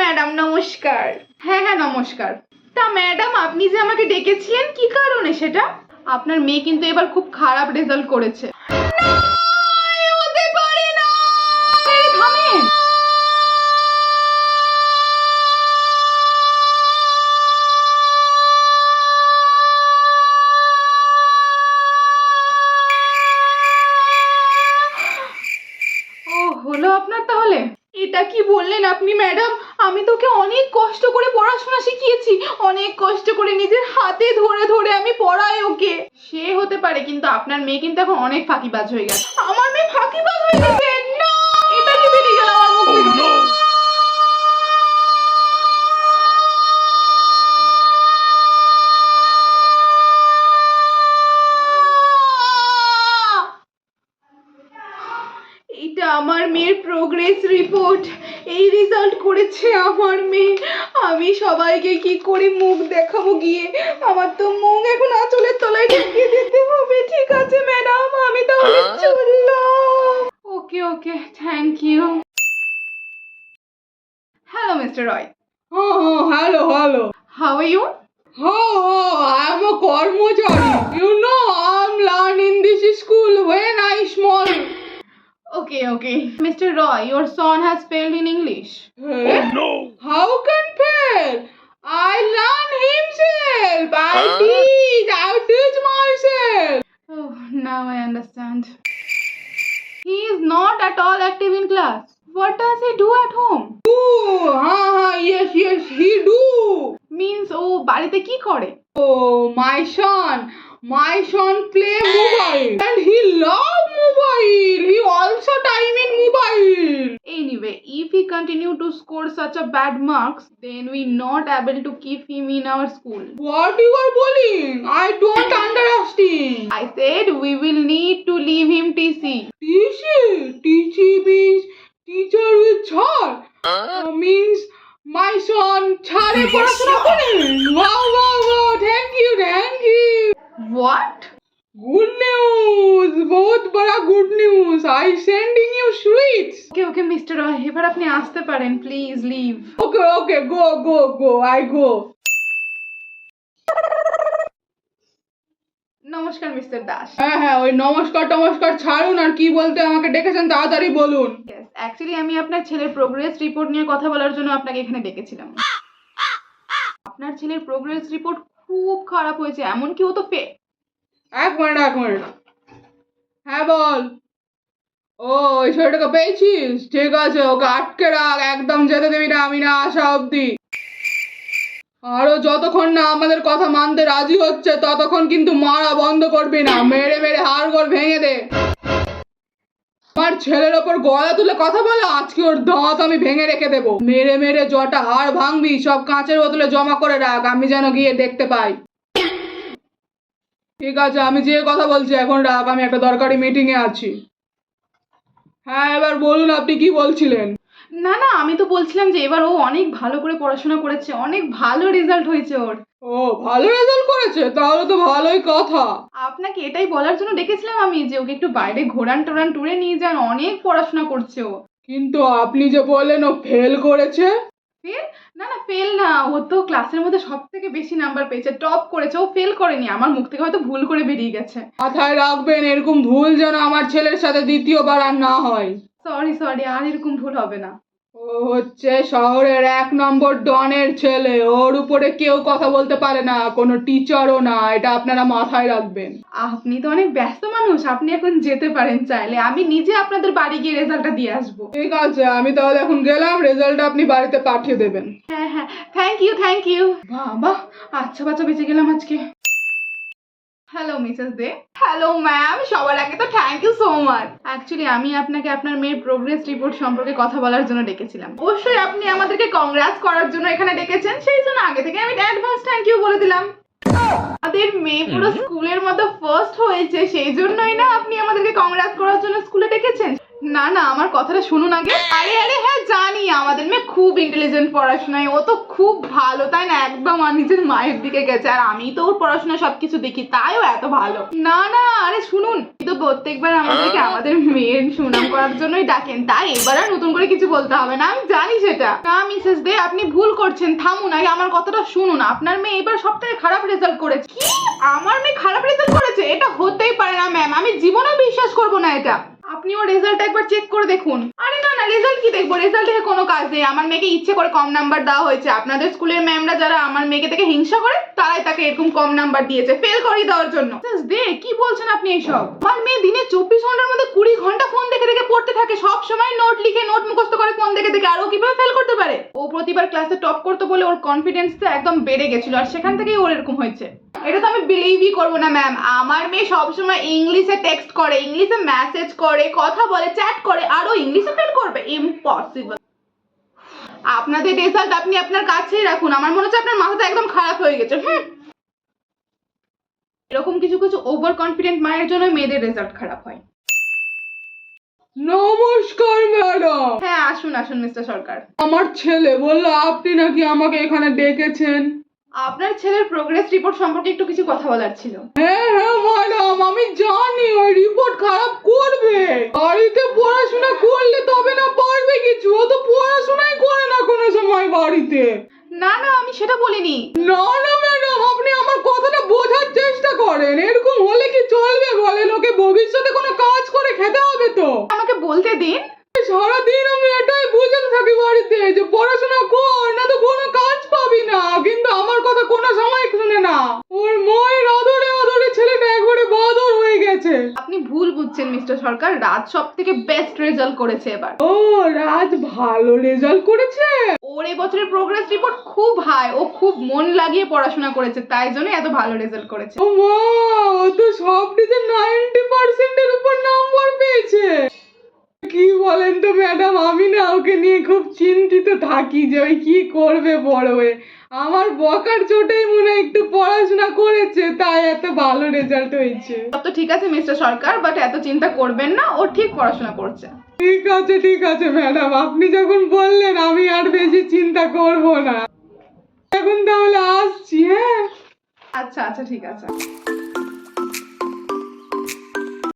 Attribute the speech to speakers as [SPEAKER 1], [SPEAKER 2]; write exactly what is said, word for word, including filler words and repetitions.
[SPEAKER 1] Madam নমস্কার। হ্যাঁ হ্যাঁ নমস্কার। তা ম্যাডাম আপনি যে আমাকে ডেকেছিলেন কি কারণে সেটা? আপনার মেয়ে কিন্তু এবার খুব খারাপ রেজাল্ট করেছে। হতে পারে না। থামেন। ও হলো আপনার তাহলে? এটা কি বললেন আপনি ম্যাডাম? আমি তোকে অনেক কষ্ট করে পড়াশোনা শিখিয়েছি, অনেক কষ্ট করে নিজের হাতে ধরে ধরে আমি পড়াই ওকে। সে হতে পারে, কিন্তু আপনার মেয়ে কিন্তু এখন অনেক ফাঁকিবাজ হয়ে গেছে। আমার মেয়ে ফাঁকিবাজ হয়ে গেছে? না, এটা কি বেরিয়ে গেল আমার মুখ থেকে? এটা আমার মেয়ের প্রোগ্রেস রিপোর্ট। এই রেজাল্ট করেছে আমার মেয়ে। আমি সবাইকে কি করে মুখ দেখাবো গিয়ে? আমার তো মুখ এখন আঁচলের তলায় ঢুকিয়ে দিতে হবে। ঠিক আছে ম্যাডাম, আমি তাহলে চললাম। Okay okay, thank you. Hello mister Roy.
[SPEAKER 2] Oh, oh, hello, hello.
[SPEAKER 1] How are you?
[SPEAKER 2] Oh, oh, I'm a Karmachari. You know, I'm learning this school when I small.
[SPEAKER 1] Okay, okay. Mister Roy, your son has failed in English.
[SPEAKER 2] Oh no! How can fail? I learn himself. I
[SPEAKER 1] Huh?
[SPEAKER 2] teach. I teach myself.
[SPEAKER 1] Oh, now I understand. He is not at all active in class. What does he do at home?
[SPEAKER 2] Oh, ha, ha, yes, yes, he do.
[SPEAKER 1] Means ও বাড়িতে কি করে?
[SPEAKER 2] Oh, my son. My son play mobile and he love mobile. He also time in mobile.
[SPEAKER 1] Anyway, if he continue to score such a bad marks, then we not able to keep him in our school.
[SPEAKER 2] What you are bullying? I don't understand.
[SPEAKER 1] I said we will need to leave him T C.
[SPEAKER 2] T C? T C means teacher with char. Uh, means my son chare পড়াশোনা করে। Wow, wow, wow. Thank you, thank you.
[SPEAKER 1] What?
[SPEAKER 2] Good news. बहुत बड़ा good news. I sending you sweets.
[SPEAKER 1] Okay, okay, Mister Roy, এবার আপনি আসতে পারেন, please leave.
[SPEAKER 2] Okay, okay, go, go, go. I go.
[SPEAKER 1] নমস্কার mister Das.
[SPEAKER 2] হ্যাঁ হ্যাঁ ওই নমস্কার টমস্কার ছাড়ুন, আর কি বলতে আমাকে ডেকেছেন তাড়াতাড়ি বলুন।
[SPEAKER 1] Yes, actually আমি আপনার ছেলের প্রোগ্রেস রিপোর্ট নিয়ে কথা বলার জন্য আপনাকে এখানে ডেকেছিলাম। আপনার ছেলের প্রোগ্রেস রিপোর্ট খুব খারাপ হয়েছে, এমনকি ও তো ফে
[SPEAKER 2] এক মিনিট এক মিনিট হ্যাঁ বল। ও ওই ছেলেটাকে পেয়েছিস? ঠিক আছে, ওকে আটকে রাখ, একদম যেতে দিবি না আমি না আসা অব্দি। আরো যতক্ষণ না আমাদের কথা মানতে রাজি হচ্ছে ততক্ষণ কিন্তু মারা বন্ধ করবি না, মেরে মেরে হাড়গোড় ভেঙে দে। আমার ছেলের ওপর গলা তুলে কথা বলে আজকে ওর দাঁত আমি ভেঙে রেখে দেবো। মেরে মেরে জটা হাড় ভাঙবি সব কাঁচের বোতলে জমা করে রাখ, আমি যেন গিয়ে দেখতে পাই। ঠিক আছে, আমি যে কথা বলছি এখন রাখ, আমি একটা দরকারি মিটিং এ আছি। হ্যাঁ এবার বলুন আপনি কি বলছিলেন?
[SPEAKER 1] না না, আমি তো বলছিলাম যে এবার ও অনেক ভালো করে পড়াশোনা করেছে, অনেক ভালো রেজাল্ট হয়েছে ওর।
[SPEAKER 2] ও ভালো রেজাল্ট করেছে, তাহলে তো ভালোই কথা।
[SPEAKER 1] আপনাকে এটাই বলার জন্য ডেকেছিলাম আমি যে ওকে একটু বাইরে ঘোরান টোরান টুরে নিয়ে যান, অনেক পড়াশোনা করছে ও।
[SPEAKER 2] কিন্তু আপনি যে বললেন ও ফেল করেছে।
[SPEAKER 1] ফেল? না না ফেল না, ও তো ক্লাসের মধ্যে সব থেকে বেশি নাম্বার পেয়েছে, টপ করেছে, ও ফেল করেনি। আমার মুখ থেকে হয়তো ভুল করে বেরিয়ে গেছে।
[SPEAKER 2] মাথায় রাখবেন এরকম ভুল যেন আমার ছেলের সাথে দ্বিতীয়বার আর না হয়।
[SPEAKER 1] সরি সরি, আর এরকম ভুল হবে না।
[SPEAKER 2] ও হচ্ছে শহরের এক নম্বর ডনের ছেলে, ওর উপরে কেউ কথা বলতে পারে না, কোনো টিচারও না, এটা আপনারা মাথায় রাখবেন।
[SPEAKER 1] আপনি তো অনেক ব্যস্ত মানুষ, আপনি এখন যেতে পারেন চাইলে, আমি নিজে আপনাদের বাড়ি গিয়ে রেজাল্টটা দিয়ে আসবো।
[SPEAKER 2] ঠিক আছে, আমি তাহলে এখন গেলাম, রেজাল্টটা আপনি বাড়িতে পাঠিয়ে দেবেন।
[SPEAKER 1] হ্যাঁ হ্যাঁ, থ্যাংক ইউ থ্যাংক ইউ। বাবা, আচ্ছা বাচ্চা বেঁচে গেলাম আজকে। Hello Mrs Dey. Hello ma'am, সবার আগে তো thank you so much. Actually আমি আপনাকে আপনার মেয়ের প্রোগ্রেস রিপোর্ট সম্পর্কে কথা বলার জন্য ডেকেছিলাম। অবশ্যই আপনি আমাদেরকে কংগ্রাটস করার জন্য এখানে ডেকেছেন, সেই জন্য আগে থেকে আমি অ্যাডভান্স থ্যাংক ইউ বলে দিলাম। আমাদের মেয়ে পুরো স্কুলের মধ্যে ফার্স্ট হয়েছে, সেই জন্যই না আপনি আমাদেরকে কংগ্রাটস করার জন্য স্কুলে ডেকেছেন। না না আমার কথাটা শুনুন আগে। আরে আরে হ্যাঁ জানি আমাদের মেয়ে খুব ইন্টেলিজেন্ট পড়াশোনায়, ও তো খুব ভালো তাই না, একদম আর নিজের মায়ের দিকে গেছে। আর আমি তো ওর পড়াশোনা সবকিছু দেখি তাই ও এত ভালো। না না আরে শুনুন, তো প্রত্যেকবার আমাদেরকে আমাদের মেয়ের সুনাম করার জন্যই ডাকেন, তাই এবার আর নতুন করে কিছু বলতে হবে না, আমি জানি সেটা। না মিসেস দে আপনি ভুল করছেন, থামুন আগে আমার কথাটা শুনুন। আপনার মেয়ে এবার সব থেকে খারাপ রেজাল্ট করেছে। কি আমার মেয়ে খারাপ রেজাল্ট করেছে? এটা হতেই পারে না ম্যাম, আমি জীবনেও বিশ্বাস করবো না এটা। আপনি ওর রেজাল্ট একবার চেক করে দেখুন। আরে না না রেজাল্ট কি দেখবো, রেজাল্ট দেখে কোনো কাজ নেই। আমার মেয়েকে ইচ্ছে করে কম নাম্বার দেওয়া হয়েছে। আপনাদের স্কুলের ম্যামরা যারা আমার মেয়েকে দেখে হিংসা করে তারাই তাকে এরকম কম নাম্বার দিয়েছে ফেল করিয়ে দেওয়ার জন্য। দে কি বলছেন আপনি এইসব? আমার মেয়ে দিনে চব্বিশ ঘন্টার মধ্যে কুড়ি ঘন্টা ফোন দেখে দেখে পড়তে থাকে, সব সময় নোট লিখে নোট মুখস্থ করে ফোন দেখে দেখে, আর ও কিভাবে ফেল করতে পারে? ও প্রতিবার ক্লাসে টপ করতে বলে ওর কনফিডেন্সটা একদম বেড়ে গেছিল, আর সেখান থেকেই ওর এরকম হয়েছে। এটা তো আমি বিলিভই করবো না ম্যাম। আমার মেয়ে সবসময় ইংলিশে টেক্সট করে, ইংলিশে মেসেজ করে, কথা বলে, চ্যাট করে, আর ও ইংলিশে ফেল করবে? ইম্পসিবল। আপনাদের রেজাল্ট আপনি আপনার কাছেই রাখুন, আমার মনে হচ্ছে আপনার মাথাটা একদম খারাপ হয়ে গেছে। হুম এরকম কিছু কিছু ওভার কনফিডেন্ট মায়ের জন্য মেয়েদের রেজাল্ট খারাপ হয়।
[SPEAKER 2] নমস্কার ম্যাডাম।
[SPEAKER 1] হ্যাঁ আসুন আসুন মিস্টার সরকার।
[SPEAKER 2] আমার ছেলে বললো আপনি নাকি আমাকে এখানে ডেকেছেন।
[SPEAKER 1] আপনার ছেলের প্রোগ্রেস রিপোর্ট সম্পর্কে একটু কিছু কথা বলার ছিল।
[SPEAKER 2] হ্যাঁ হ্যাঁ ম্যাডাম আমি জানি ওই রিপোর্ট খারাপ করবে, বাড়িতে পড়াশোনা করলে তবে না পারবে কিছু। ও তো পড়াশোনাই করে না কোনো সময় বাড়িতে।
[SPEAKER 1] না না আমি সেটা বলিনি।
[SPEAKER 2] না না ম্যাডাম আপনি আমার কথাটা বোঝার চেষ্টা করেন। এরকম হলে কি চলবে বলেন? ওকে ভবিষ্যতে কোনো কাজ করে খেতে হবে তো।
[SPEAKER 1] আমাকে বলতে দিন।
[SPEAKER 2] সারাদিন আমি এটাই বুঝতে থাকি বাড়িতে যে পড়াশোনা কর, না তো কোনো কাজ পাবি না, কিন্তু আমার কথা কোনো সময় শুনে না। ওর মায়ের আদরে আদরে ছেলেটা একবারে বাদর হয়ে গেছে।
[SPEAKER 1] আপনি ভুল বুঝছেন মিস্টার সরকার, রাজ সব থেকে বেস্ট রেজাল্ট করেছে এবার।
[SPEAKER 2] ও রাজ ভালো রেজাল্ট করেছে?
[SPEAKER 1] ওর এই বছরের প্রোগ্রেস রিপোর্ট খুব হাই, ও খুব মন লাগিয়ে পড়াশোনা করেছে, তাই জন্য এত ভালো রেজাল্ট করেছে।
[SPEAKER 2] ও মা, ও তো সবটিতে নাইনটি পার্সেন্টের উপর নাম্বার পেয়েছে। কি বলেন তো ম্যাডাম, আমি না ওকে নিয়ে খুব চিন্তিত থাকি যে ওই কি করবে বড় হয়ে। আমার বকার চোটেই মনে হয় একটু পড়াশোনা করেছে, তাই এত ভালো রেজাল্ট হয়েছে।
[SPEAKER 1] সব তো ঠিক আছে মিস্টার সরকার, বাট এত চিন্তা করবেন না, ও ঠিক পড়াশোনা করছে।
[SPEAKER 2] ঠিক আছে ঠিক আছে ম্যাডাম, আপনি যখন বললেন আমি আর বেশি চিন্তা করব না। এখন তাহলে আসছি। হ্যাঁ
[SPEAKER 1] আচ্ছা আচ্ছা ঠিক আছে।